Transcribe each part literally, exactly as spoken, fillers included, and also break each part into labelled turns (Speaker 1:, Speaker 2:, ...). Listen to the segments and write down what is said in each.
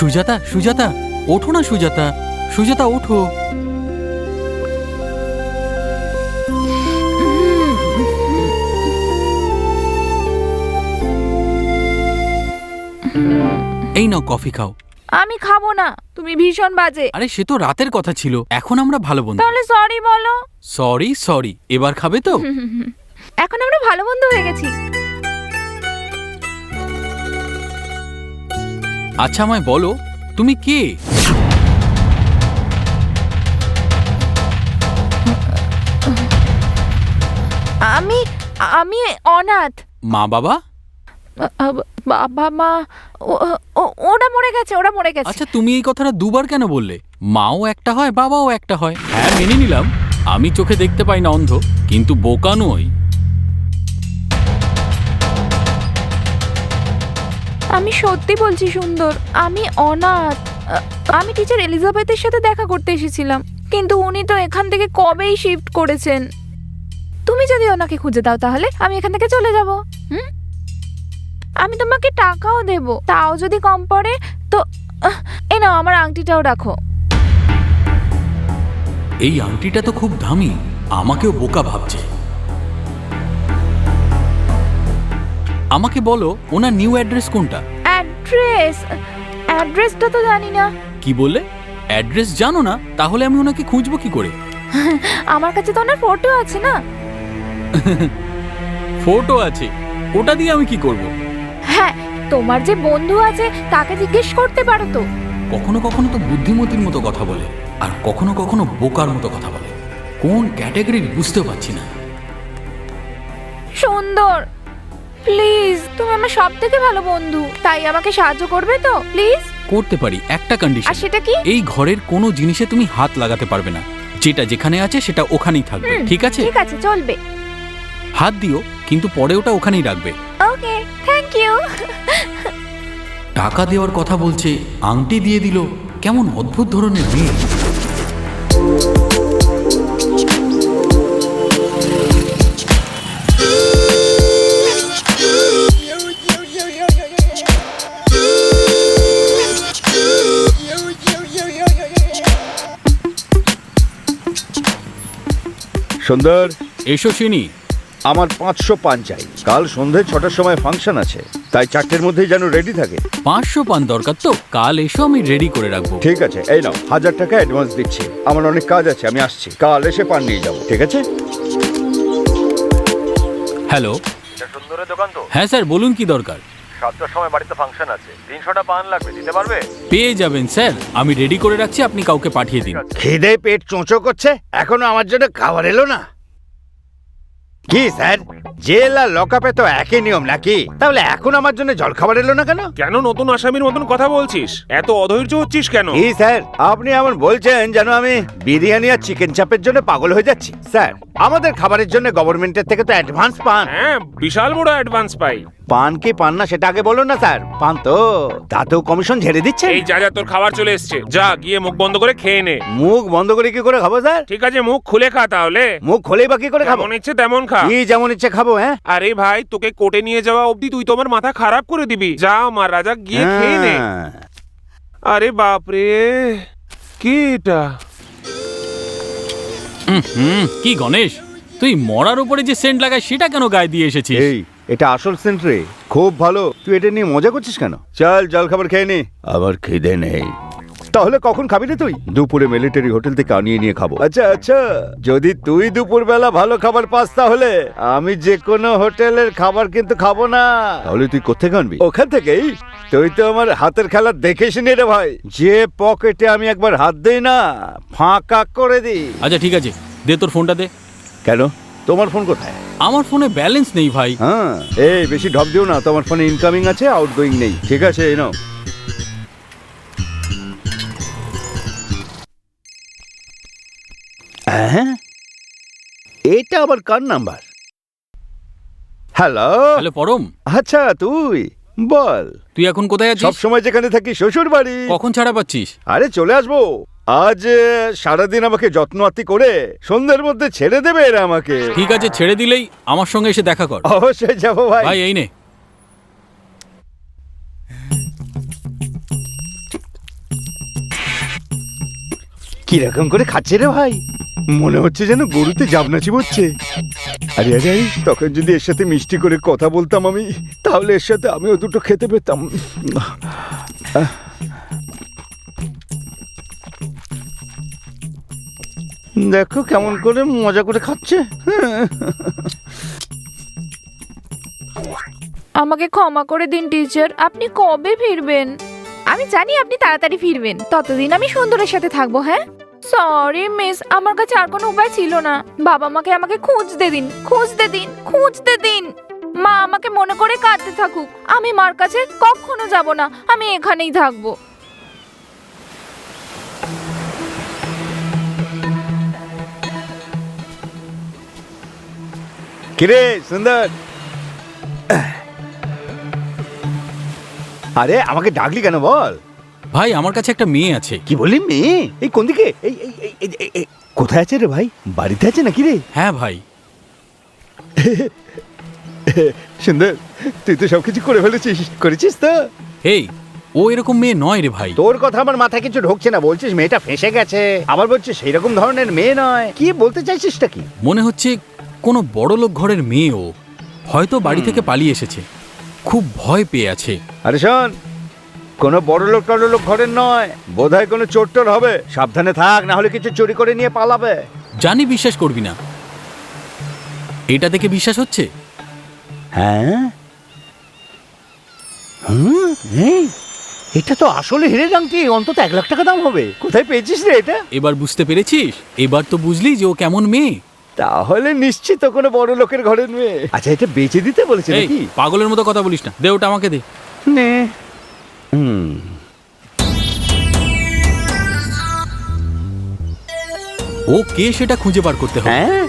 Speaker 1: সুজাতা, সুজাতা, ওঠো না সুজাতা, সুজাতা ওঠো। এই নাও কফি খাও।
Speaker 2: আমি খাবো না, তুমি ভীষণ বাজে।
Speaker 1: আরে সে তো রাতের কথা ছিল, এখন আমরা ভালো বন্ধু।
Speaker 2: তাহলে সরি বলো।
Speaker 1: সরি সরি, এবার খাবে তো?
Speaker 2: এখন আমরা ভালো বন্ধু হয়ে গেছি।
Speaker 1: আচ্ছা আমায় বলো, তুমি কে?
Speaker 2: আমি আমি অনাথ।
Speaker 1: মা বাবা?
Speaker 2: বাবা মা ওরা মরে গেছে, ওরা মরে গেছে।
Speaker 1: আচ্ছা তুমি এই কথাটা দুবার কেন বললে? মাও একটা হয়, বাবাও একটা হয়। হ্যাঁ মেনে নিলাম, আমি চোখে দেখতে পাই না, অন্ধ, কিন্তু বোকা নই।
Speaker 2: আমি সত্যি বলছি সুন্দর, আমি অনাথ। আমি টিচার এলিজাবেথের সাথে দেখা করতে এসেছিলাম, কিন্তু উনি তো এখান থেকে কবেই শিফট করেছেন। তুমি যদি ওনাকে খুঁজে দাও তাহলে আমি এখান থেকে চলে যাব। হুম, আমি তোমাকে টাকাও দেব, তাও যদি কম পড়ে তো এই নাও, আমার আংটিটাও রাখো।
Speaker 1: এই আংটিটা তো খুব দামি, আমাকেও বোকা ভাবছে। আমাকে বলো ওনার নিউ অ্যাড্রেস কোনটা?
Speaker 2: অ্যাড্রেস অ্যাড্রেসটা তো জানি না।
Speaker 1: কি বললে? অ্যাড্রেস জানো না? তাহলে আমি ওনাকে খুঁজবো কি করে?
Speaker 2: আমার কাছে তো ওনার ফটো আছে না।
Speaker 1: ফটো আছে, ওটা দিয়ে আমি কি করব?
Speaker 2: হ্যাঁ, তোমার যে বন্ধু আছে তাকে জিজ্ঞেস করতে পারো তো।
Speaker 1: কখনো কখনো তো বুদ্ধিমতির মতো কথা বলে, আর কখনো কখনো বোকার মতো কথা বলে। কোন ক্যাটাগরির বুঝতে পারছি না।
Speaker 2: সুন্দর, প্লিজ, তুমি আমার সব থেকে ভালো বন্ধু, তাই আমাকে সাহায্য করবে তো প্লিজ?
Speaker 1: করতে পারি, একটা কন্ডিশন।
Speaker 2: আর সেটা কি?
Speaker 1: এই ঘরের কোনো জিনিসে তুমি হাত লাগাতে পারবে না, যেটা যেখানে আছে সেটা ওখানেই থাকবে, ঠিক আছে?
Speaker 2: ঠিক আছে, চলবে।
Speaker 1: হাত দিও, কিন্তু পরে ওটা ওখানেই রাখবে।
Speaker 2: Okay, thank you.
Speaker 1: টাকা দেওয়ার কথা বলছে, আংটি দিয়ে দিল। কেমন অদ্ভুত ধরনের মেয়ে।
Speaker 3: সুন্দর,
Speaker 1: এসো চিনি।
Speaker 3: আমার পাঁচশো পান চাই। কাল সন্ধে ছটার সময় ফাংশন আছে, তাই চারটের মধ্যেই যেন রেডি থাকে।
Speaker 1: পাঁচশো পান দরকার তো? কাল এসো, আমি রেডি করে রাখবো।
Speaker 3: ঠিক আছে, এই নাও, হাজার টাকা অ্যাডভান্স দিচ্ছি। আমার অনেক কাজ আছে, আমি আসছি। কাল এসে পান নিয়ে যাবো, ঠিক আছে?
Speaker 1: হ্যালো,
Speaker 4: এটা সুন্দরের দোকান তো?
Speaker 1: হ্যাঁ স্যার, বলুন কি দরকার?
Speaker 4: সাতটার সময় বাড়িতে ফাংশন আছে, তিনশোটা পান লাগবে, দিতে পারবে?
Speaker 1: পেয়ে যাবেন স্যার, আমি রেডি করে রাখছি, আপনি কাউকে পাঠিয়ে দিন।
Speaker 3: খিদে পেট চোঁচো করছে, এখনো আমার জন্য খাবার এলো না। কি স্যার, জেল আর লকআপে তো একই নিয়ম নাকি? তাহলে এখন আমার জন্য জল খাবার এলো না কেন?
Speaker 5: কেন নতুন আসামির মতন কথা বলছিস? এত অধৈর্য হচ্ছিস কেন?
Speaker 3: কি স্যার, আপনি এমন বলছেন যেন আমি বিরিয়ানি আর চিকেন চাপের জন্য পাগল হয়ে যাচ্ছি। স্যার, আমাদের খাবারের জন্য গভর্নমেন্টের থেকে তো অ্যাডভান্স পান।
Speaker 5: হ্যাঁ, বিশাল বড় অ্যাডভান্স পাই।
Speaker 3: পান কি পান না সেটা আগে বলুন না স্যার। পান তো, তাতেও কমিশন ঝেড়ে দিচ্ছে।
Speaker 5: এই যা যা, তোর খাবার চলে এসছে, যা গিয়ে মুখ বন্ধ করে খেয়ে নে।
Speaker 3: মুখ বন্ধ করে কি করে খাবো স্যার?
Speaker 5: ঠিক আছে, মুখ খুলে খা তাহলে।
Speaker 3: মুখ খোলেই বা কি করে খাবো?
Speaker 5: যেমন ইচ্ছে তেমন খা।
Speaker 3: কি যেমন ইচ্ছে খাবো? হ্যাঁ,
Speaker 5: আরে ভাই, তোকে কোর্টে নিয়ে যাওয়া অবধি তুই তোমার মাথা খারাপ করে দিবি। যা আমার রাজা, গিয়ে খেয়ে নে।
Speaker 3: হ্যাঁ।
Speaker 5: আরে বাপরে, কি এটা?
Speaker 1: হুম, কি গণেশ, তুই মরার উপরে যে সেন্ট লাগায় সেটা কেন গায়ে দিয়ে এসেছিস?
Speaker 3: এই, এটা আসল সেন্ট রে, খুব ভালো। তুই এটা নিয়ে মজা করছিস কেন? চল জল খাবার খেয়ে নে। আবার খিদে নেই। তাহলে কখন খাবি রে তুই? দুপুরে মিলিটারি হোটেল থেকে আনিয়ে নিয়ে খাবো। আচ্ছা আচ্ছা, যদি তুই দুপুর বেলা ভালো খাবার পাস তাহলে আমি যে কোনো হোটেলের খাবার কিন্তু খাবো না। তাহলে তুই কোথেকে আনবি? ওখান থেকেই। তুই তো আমার হাতের খেলা দেখেস নি রে ভাই, যে পকেটে আমি একবার হাত দেই না ফাঁকা করে দিই।
Speaker 1: আচ্ছা ঠিক আছে, দে তোর ফোনটা দে।
Speaker 3: কেন, তোমার ফোন কোথায়?
Speaker 1: আমার ফোনে ব্যালেন্স নেই ভাই।
Speaker 3: হ্যাঁ, এই বেশি ঢপ দিও না, তোমার ফোনে ইনকামিং আছে, আউটগোয়িং নেই। ঠিক আছে, এই নাও। হ্যাঁ, এটা আবার কার নাম্বার? হ্যালো
Speaker 1: হ্যালো পরম,
Speaker 3: আচ্ছা তুই বল।
Speaker 1: তুই এখন কোথায়
Speaker 3: সব
Speaker 1: আছিস?
Speaker 3: সময় যেখানে থাকি শ্বশুর বাড়ি।
Speaker 1: কখন ছাড়া পাচ্ছিস?
Speaker 3: আরে চলে আসবো। আজ সারাদিন আমাকে যত্ন আত্তি করে সন্ধ্যের মধ্যে ছেড়ে দেবে এরা আমাকে।
Speaker 1: ঠিক আছে, ছেড়ে দিলেই আমার সঙ্গে এসে দেখা কর।
Speaker 3: অবশ্যই যাবো ভাই।
Speaker 1: ভাই এই নে।
Speaker 3: কিরকম করে খাচ্ছে রে ভাই, মনে হচ্ছে যেন গরুতে জাবনাচি হচ্ছে। আরে আরে আরে, তখন যদি এর সাথে মিষ্টি করে কথা বলতাম আমি, তাহলে এর সাথে আমিও দুটো খেতে পেতাম। আহ। দেখো কেমন করে মজা করে খাচ্ছে।
Speaker 2: আমাকে ক্ষমা করে দিন টিচার, আপনি কবে ফিরবেন? আমি জানি আপনি তাড়াতাড়ি ফিরবেন, ততদিন আমি সুন্দরের সাথে থাকবো। হ্যাঁ, সরি মিস, আমার কাছে আর কোনো উপায় ছিল না। বাবা মাকে আমাকে খুঁজতে দিন, খুঁজতে দিন, খুঁজতে দিন। মা আমাকে মনে করে কাঁদতে থাকুক, আমি মার কাছে কখনো যাব না, আমি এখানেই থাকবো।
Speaker 3: কিরে সুন্দর, আরে আমাকে ডাকলি কেন বল?
Speaker 1: ভাই আমার কাছে একটা মেয়ে আছে।
Speaker 3: কি বললি মেয়ে? এই কোন দিকে? এই এই এই- এই- এই- এই- কোথায় আছে রে ভাই? বাড়িতে আছে নাকি রে?
Speaker 1: হ্যাঁ ভাই।
Speaker 3: সুন্দর, তুই তো সবকিছু করে ফেলেছিস, করেছিস তো?
Speaker 1: এই, ও এরকম মেয়ে নয় রে ভাই।
Speaker 3: তোর কথা আমার মাথায় কিছু ঢুকছে না। বলছিস মেয়েটা ফেঁসে গেছে, আবার বলছিস সেই রকম ধরনের মেয়ে নয়। কি বলতে চাইছিসটা কি?
Speaker 1: মনে হচ্ছে কোনো বড়লোক ঘরের মেয়ে ও, হয়তো বাড়ি থেকে পালিয়ে এসেছে, খুব ভয় পেয়ে আছে।
Speaker 3: আরে শোন, কোনো বড় লোক টড় লোক ঘরের নয়, বোধহয় কোনো চোর টোর হবে। সাবধানে থাক, না হলে কিছু চুরি করে নিয়ে পালাবে।
Speaker 1: জানি বিশ্বাস করবি না, এটা দেখে বিশ্বাস হচ্ছে?
Speaker 3: হ্যাঁ, হুম, এই, এটা তো আসলে হিরের আংটি, অন্তত এক লাখ টাকা দাম হবে। কোথায় পেয়েছিস রে এটা?
Speaker 1: এবার বুঝতে পেরেছিস? এবার তো বুঝলি যে ও কেমন মেয়ে।
Speaker 3: তাহলে নিশ্চিত কোনো বড় লোকের ঘরের মেয়ে। আচ্ছা, এটা বেচে দিতে বলেছে
Speaker 1: এই
Speaker 3: নাকি?
Speaker 1: পাগলের মতো কথা বলিস না, দে ওটা আমাকে দে।
Speaker 3: নে। হুম,
Speaker 1: ও কে সেটা খুঁজে বার করতে হবে।
Speaker 3: হ্যাঁ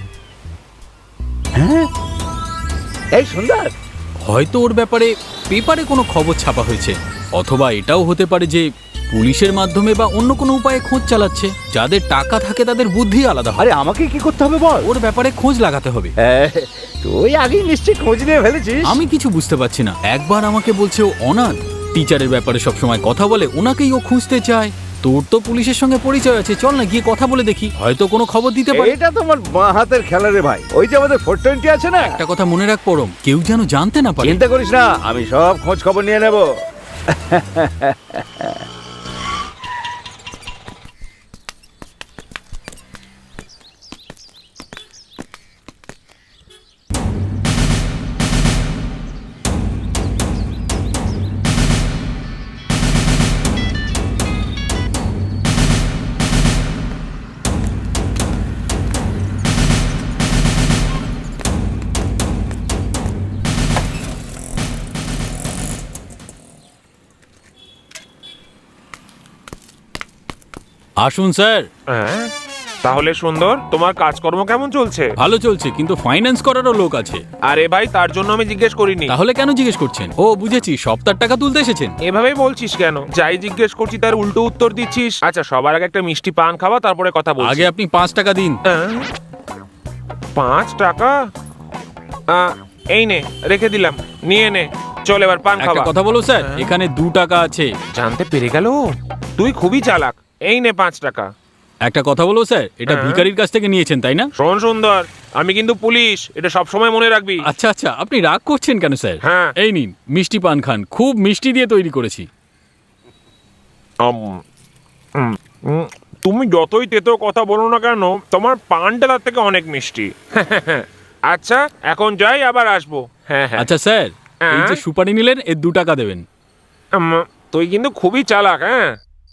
Speaker 3: হ্যাঁ, এই সুন্দর,
Speaker 1: হয়তো ওর ব্যাপারে পেপারে কোনো খবর ছাপা হয়েছে, অথবা এটাও হতে পারে যে পুলিশের মাধ্যমে বা অন্য কোনো উপায়ে খোঁজ চালাচ্ছে। যাদের টাকা থাকে তাদের বুদ্ধি আলাদা হয়।
Speaker 3: আরে আমাকে কি করতে হবে বল?
Speaker 1: ওর ব্যাপারে খোঁজ লাগাতে হবে।
Speaker 3: হ্যাঁ, তুই আগেই নিশ্চয়ই খোঁজ নিয়ে ফেলেছিস।
Speaker 1: আমি কিছু বুঝতে পারছি না। একবার আমাকে বলছে ও অনাথ, টিচারের ব্যাপারে সবসময় কথা বলে, ওনাকেই ও খুঁজতে চায়। তোর তো পুলিশের সঙ্গে পরিচয় আছে, চল না গিয়ে কথা বলে দেখি, হয়তো কোনো খবর দিতে পারে।
Speaker 3: এটা তোমার বাঁ হাতের খেলা রে ভাই। ওই যে আমাদের ফোর টোয়েন্টি আছে না,
Speaker 1: একটা কথা মনে রাখ পরম, কেউ যেন জানতে না পারে।
Speaker 3: চিন্তা করিস না, আমি সব খোঁজ খবর নিয়ে নেব।
Speaker 1: আসুন স্যার।
Speaker 5: হ্যাঁ, তাহলে সুন্দর, তোমার কাজকর্ম কেমন চলছে?
Speaker 1: ভালো চলছে, কিন্তু ফাইন্যান্স করারও লোক আছে।
Speaker 5: আরে ভাই, তার জন্য আমি জিজ্ঞেস করিনি।
Speaker 1: তাহলে কেন জিজ্ঞেস করছেন? ও বুঝেছি, সপ্তাহ টাকা তুলতে এসেছেন।
Speaker 5: এভাবে বলছিস কেন? যাই জিজ্ঞেস করছি তার উল্টো উত্তর দিচ্ছিস। আচ্ছা, সবার আগে একটা মিষ্টি পান খাওয়া, তারপরে কথা বলছি।
Speaker 1: আগে আপনি পাঁচ টাকা দিন।
Speaker 5: আহ, পাঁচ টাকা? আহ, এই নে, রেখে দিলাম, নিয়ে নে। চল এবার পান
Speaker 1: একটা
Speaker 5: খাওয়া।
Speaker 1: কথা বলো স্যার, এখানে দু টাকা আছে।
Speaker 5: জানতে পেরে গেল, তুই খুবই চালাক। এই নে পাঁচ টাকা।
Speaker 1: একটা কথা বলো স্যার, এটা
Speaker 5: হ্যাঁ।
Speaker 1: ভিখারির কাছ থেকে নিয়েছেন তাই না?
Speaker 5: শোন সুন্দর, আমি কিন্তু পুলিশ, এটা সব সময় মনে রাখবি।
Speaker 1: আচ্ছা আচ্ছা, আপনি রাগ করছেন কেন স্যার?
Speaker 5: হ্যাঁ।
Speaker 1: এই নিন মিষ্টি পান খান, খুব মিষ্টি দিয়ে তৈরি করেছি।
Speaker 5: উম, উম, উম, তুমি যতই তেতো কথা বলো না কেন, তোমার পানটা তার থেকে অনেক মিষ্টি। আচ্ছা, এখন যাই, আবার আসবো। হ্যাঁ হ্যাঁ।
Speaker 1: আচ্ছা স্যার, এই যে
Speaker 5: হ্যাঁ?
Speaker 1: সুপারি নিলেন, এর দু টাকা দেবেন।
Speaker 5: উম, তুই কিন্তু খুবই চালাক। হ্যাঁ,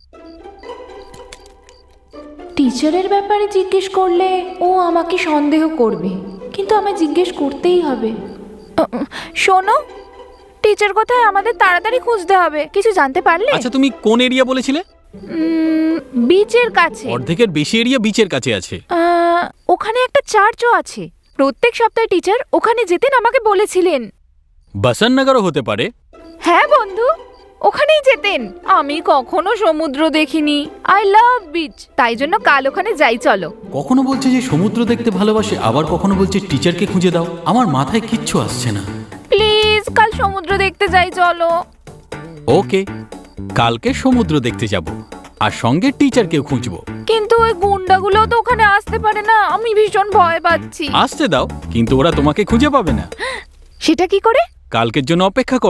Speaker 2: টিচারের ব্যাপারে জিজ্ঞেস করলে ও আমাকে সন্দেহ করবে, কিন্তু আমায় জিজ্ঞেস করতেই হবে। আহ, শোনো, টিচার কোথায়? আমাদের তাড়াতাড়ি খুঁজতে হবে। কিছু জানতে পারলে?
Speaker 1: আচ্ছা, তুমি কোন এরিয়া বলেছিলে?
Speaker 2: উম, বিচের কাছে।
Speaker 1: অর্ধেকের বেশি এরিয়া বিচের কাছে আছে।
Speaker 2: আহ, ওখানে একটা চার্চও আছে। প্রত্যেক সপ্তাহে টিচার ওখানে যেতেন, আমাকে বলেছিলেন।
Speaker 1: বাসন নগরও হতে পারে।
Speaker 2: হ্যাঁ বন্ধু, ওখানেই যেতেন। আমি কখনো সমুদ্র দেখিনি। আই লাভ বিচ, তাই জন্য কাল ওখানে যাই, চলো।
Speaker 1: কখনো বলছে যে সমুদ্র দেখতে ভালোবাসে, আবার কখনো বলছে টিচারকে খুঁজে দাও। আমার মাথায় কিচ্ছু আসছে না।
Speaker 2: প্লিজ কাল সমুদ্র দেখতে যাই, চলো।
Speaker 1: ওকে, কালকে সমুদ্র দেখতে যাব, আর সঙ্গে টিচারকেও খুঁজবো।
Speaker 2: কিন্তু গুন্ডাগুলো তো ওখানে আসতে পারে না, আমি ভীষণ ভয় পাচ্ছি।
Speaker 1: আসতে দাও, কিন্তু ওরা তোমাকে খুঁজে পাবে না।
Speaker 2: সেটা কি করে?
Speaker 1: কালকের জন্য অপেক্ষা করো।